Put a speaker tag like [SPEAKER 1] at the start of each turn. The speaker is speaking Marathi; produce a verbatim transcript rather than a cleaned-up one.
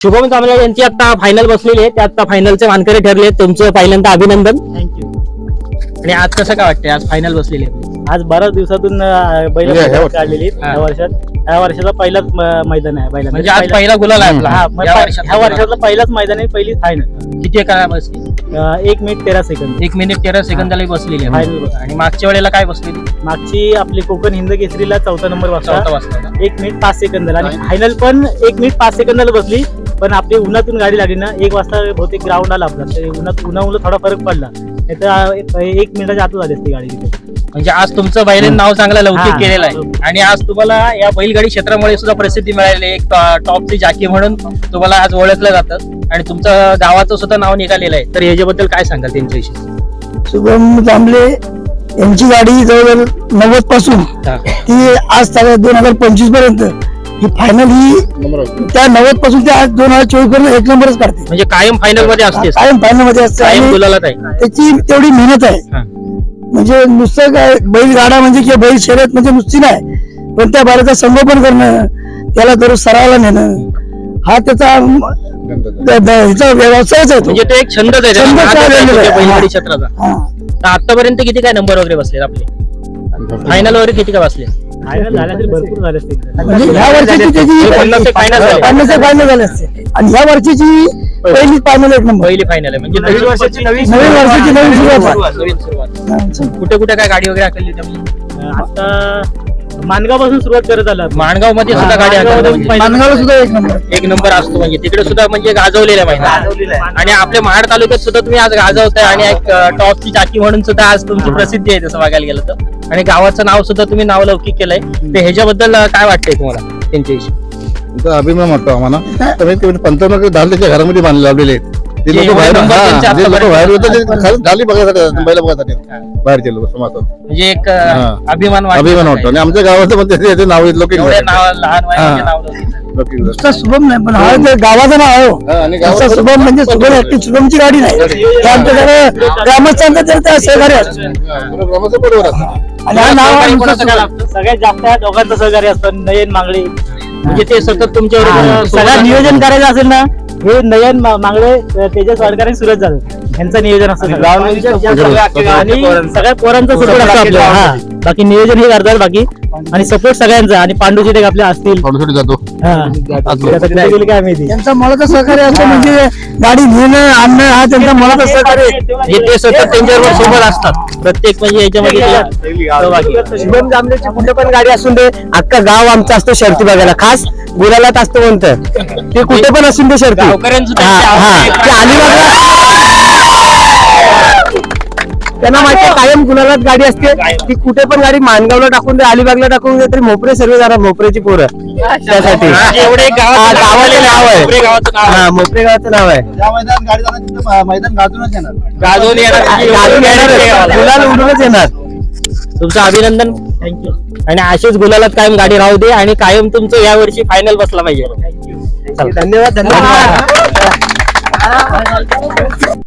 [SPEAKER 1] शुभम कांबळे यांची आता फायनल बसलेली आहे, ते आता फायनलचे मानकरी ठरले. तुमचं पहिल्यांदा अभिनंदन.
[SPEAKER 2] थँक्यू.
[SPEAKER 1] आणि आज कसं काय वाटतंय, आज फायनल बसलेली आहे?
[SPEAKER 2] आज बऱ्याच दिवसातून अं, बैल
[SPEAKER 3] म्हणजे ह्या
[SPEAKER 2] काढलेली
[SPEAKER 1] हा.
[SPEAKER 2] या वर्षात. ह्या वर्षाचा पहिलाच म- मैदान आहे बैलांचं.
[SPEAKER 1] म्हणजे आज
[SPEAKER 2] पहिला-
[SPEAKER 1] पहिला गुलाल आहे आपला.
[SPEAKER 2] हा, मग
[SPEAKER 1] या
[SPEAKER 2] ह्या
[SPEAKER 1] वर्षातला
[SPEAKER 2] वर्षातलं पहिलाच मैदान आहे, पहिली फायनल.
[SPEAKER 1] किती काळ बसली?
[SPEAKER 2] एक मिनिट तेरा सेकंद
[SPEAKER 1] एक मिनिट तेरा सेकंदाला बसलेली आहे.
[SPEAKER 2] फायनल.
[SPEAKER 1] आणि मागच्या वेळेला काय बसलेली?
[SPEAKER 2] मागची आपली कोकण हिंद केसरीला चौथा नंबर
[SPEAKER 1] चौथा
[SPEAKER 2] वाजता
[SPEAKER 1] वाजता ना?
[SPEAKER 2] एक मिनिट पाच सेकंदाला, आणि फायनल पण एक मिनिट पाच सेकंदाला बसली. पण आपली उन्हातून गाडी लागली ना, एक वाजता बहुतेक ग्राउंड आला आपला, ते उन्हात उन्हामुळे थोडा फरक पडला. नाही तर एक मिनिटाच्या आतच आली असती गाडी तिथे.
[SPEAKER 1] म्हणजे आज तुमचं बैलेन नाव चांगलं लौकिक
[SPEAKER 2] हा.
[SPEAKER 1] केलेलं आहे. आणि आज तुम्हाला या बैलगाडी क्षेत्रामुळे सुद्धा प्रसिद्धी मिळाली. एक टॉपची जाकी म्हणून तुम्हाला आज ओळखलं जातं आणि तुमचं गावाचं सुद्धा नाव निघालेलं आहे. तर याच्याबद्दल काय सांगाल त्यांच्याविषयी?
[SPEAKER 4] शुभम कांबळे यांची गाडी जवळजवळ नव्वद पासून
[SPEAKER 1] हा.
[SPEAKER 4] ती आज दोन हजार पंचवीस पर्यंत ही फायनल ही त्या नव्वद पासून ते आज दोन हजार चोवीस पर्यंत एक नंबरच काढते.
[SPEAKER 1] म्हणजे कायम फायनल मध्ये असते,
[SPEAKER 4] कायम फायनल मध्ये असते
[SPEAKER 1] कायम
[SPEAKER 4] आणि
[SPEAKER 1] गुलालात आहे.
[SPEAKER 4] त्याची तेवढी मेहनत आहे.
[SPEAKER 1] हा.
[SPEAKER 4] म्हणजे नुसतं काय बैलगाडा म्हणजे किंवा बैल शर्यत म्हणजे नुसती नाही, पण त्या बैलाचं संगोपन करणं, त्याला दररोज सरावाला नेणं, हा त्याचा द- द- ह्याचा व्यवसायच आहे तो.
[SPEAKER 1] म्हणजे तो एक छंदच आहे त्याला,
[SPEAKER 4] छंदच
[SPEAKER 1] नादच आहे
[SPEAKER 4] आहे.
[SPEAKER 1] तुमच्या बैलगाडी
[SPEAKER 4] हा.
[SPEAKER 1] क्षेत्राचा.
[SPEAKER 4] हा.
[SPEAKER 1] तर आतापर्यंत किती काय नंबर वगैरे बसले आपले? फायनल वगैरे किती काय बसले?
[SPEAKER 2] फायनल झाल्या तरी भरपूर झाले असतील.
[SPEAKER 4] म्हणजे ह्या वर्षीची त्याची
[SPEAKER 1] पन्नास एक final झाले.
[SPEAKER 4] पन्नास एक फायनल झाले असते, आणि ह्या वर्षीची पहिली फायनल एक नंबर.
[SPEAKER 1] पहिली फायनल आहे म्हणजे
[SPEAKER 2] नवीन वर्षाची नवीन
[SPEAKER 4] नवीन वर्षाची नवीन सुरुवात आहे.
[SPEAKER 1] नवीन सुरुवात.
[SPEAKER 4] हा.
[SPEAKER 1] कुठे कुठे काय गाडी वगैरे आखली त्यामुळे?
[SPEAKER 2] आता मानगाव पासून सुरुवात करत आला.
[SPEAKER 1] माणगाव मध्ये सुद्धा गाडी आखली म्हणजे
[SPEAKER 4] मानगावला सुद्धा एक नंबर.
[SPEAKER 1] एक नंबर असतो. म्हणजे तिकडे सुद्धा म्हणजे गाजवलेला
[SPEAKER 2] गाजवलेला
[SPEAKER 1] माहिती.
[SPEAKER 2] आहे.
[SPEAKER 1] आणि आपल्या महाड तालुक्यात सुद्धा तुम्ही आज गाजवताय आणि एक टॉपची चाकी म्हणून सुद्धा आज तुमची प्रसिद्धी आहे तसं बघायला गेलं तर. आणि गावाचं नाव सुद्धा तुम्ही नाव लौकिक केलंय. तर ह्याच्याबद्दल काय वाटतंय तुम्हाला त्यांच्याविषयी?
[SPEAKER 3] तुमचा अभिमान वाटतो आम्हाला. कमीत कमी पंचावन्न दहा त्याच्या घरामध्ये बांधले लावलेले आहेत. ते
[SPEAKER 1] जे
[SPEAKER 3] लोक बाहेर
[SPEAKER 1] नंबर
[SPEAKER 3] हा,
[SPEAKER 1] त्यांचे
[SPEAKER 3] जे लोक
[SPEAKER 1] आतापर्यंत-
[SPEAKER 3] बाहेर होते ते खाली- खाली बघायसाठी येतात, बैल बघायसाठी येतात. बाहेरचे लोक समाजात
[SPEAKER 1] म्हणजे एक
[SPEAKER 3] हा.
[SPEAKER 1] अभिमान वाटतो.
[SPEAKER 3] अभिमान वाटतो. आणि आमच्या गावाचं पण त्याचे त्याचे नाव आहेत लोक
[SPEAKER 1] एवढे नाव लहान वयामध्ये
[SPEAKER 3] हा.
[SPEAKER 1] नाव लौकिक झालं.
[SPEAKER 4] नुसतं शुभम नाही, पण हा ते गावाचं नाव आहे हो.
[SPEAKER 3] आणि
[SPEAKER 4] नुसतं
[SPEAKER 3] गावात
[SPEAKER 4] शुभम म्हणजे शुभम ऍक्टिव शुभमची गाडी नाही, ते आमच्याकडे ग्रामस्थांचं तर त्या सहकार्य असतं.
[SPEAKER 3] ग्रामाचं बरोबर असतं.
[SPEAKER 4] आणि हा नाव आहे
[SPEAKER 1] सहकारी
[SPEAKER 4] नुसतं
[SPEAKER 1] कोणाचं काय
[SPEAKER 4] शुभम.
[SPEAKER 1] लागतं?
[SPEAKER 2] सगळ्यात जास्त या दोघांचं सहकार्य असतं. नयन मांगडे.
[SPEAKER 1] म्हणजे ते सतत तुमच्यावर
[SPEAKER 2] सगळं नियोजन करायचं असेल ना, हे नयन मा- मांगडे तेजस सरकारी सुरत झालं यांचं नियोजन असतं सगळं. आणि सगळ्या पोरांचा सपोर्ट असतो आपल्याला. हा. बाकी नियोजन हे करतात बाकी, आणि सपोर्ट सगळ्यांचा. आणि पांडू जिथे आपले असतील,
[SPEAKER 3] थोडीसाठी जातो.
[SPEAKER 2] हा. आता कुठे गेले काय माहिती.
[SPEAKER 4] त्यांचा मनाचं सहकार्य असतं, म्हणजे गाडी नेणं आणणं हा त्यांचा मनाचं सहकार्य आहे.
[SPEAKER 1] म्हणजे ते सतत त्यांच्याबरोबर सोबत असतात प्रत्येक म्हणजे याच्यामध्ये ते सहभागी.
[SPEAKER 4] शुभम जांभळेची कुठे पण गाडी असून दे, अख्खा गाव आमचं असतं शर्ती बघायला. खास गुलालात असतं म्हणतं ते कुठे पण असून दे शर्ती.
[SPEAKER 1] गावकऱ्यांचं
[SPEAKER 4] हा, हा.
[SPEAKER 1] त्यांच्या
[SPEAKER 4] ते अलिबागला त्यांना माहिती आहे, कायम गुलालात गाडी असते. ती कुठे पण गाडी मानगावला टाकून दे, अलिबागला टाकून दे, तरी मोपरे सर्व जाणार, मोपरेची पोरं त्यासाठी.
[SPEAKER 1] म्हणजे एवढे
[SPEAKER 4] हा,
[SPEAKER 1] गावाचं नाव
[SPEAKER 4] गावाचं नाव आहे.
[SPEAKER 1] मोपरे गावाचं नाव आहे.
[SPEAKER 4] हा, मोपरे गावाचं नाव आहे.
[SPEAKER 3] ज्या मैदान गाडी जाणार तिथं मैदान गाजूनच येणार.
[SPEAKER 1] गाजवून येणार.
[SPEAKER 4] गाडी येणार, गुलाल उडूनच येणार.
[SPEAKER 1] तुमचं अभिनंदन.
[SPEAKER 2] थँक्यू.
[SPEAKER 1] आणि अशीच गुलालात कायम गाडी राहू दे आणि कायम तुमचं या वर्षी फायनल बसला पाहिजे.
[SPEAKER 4] धन्यवाद धन्यवाद.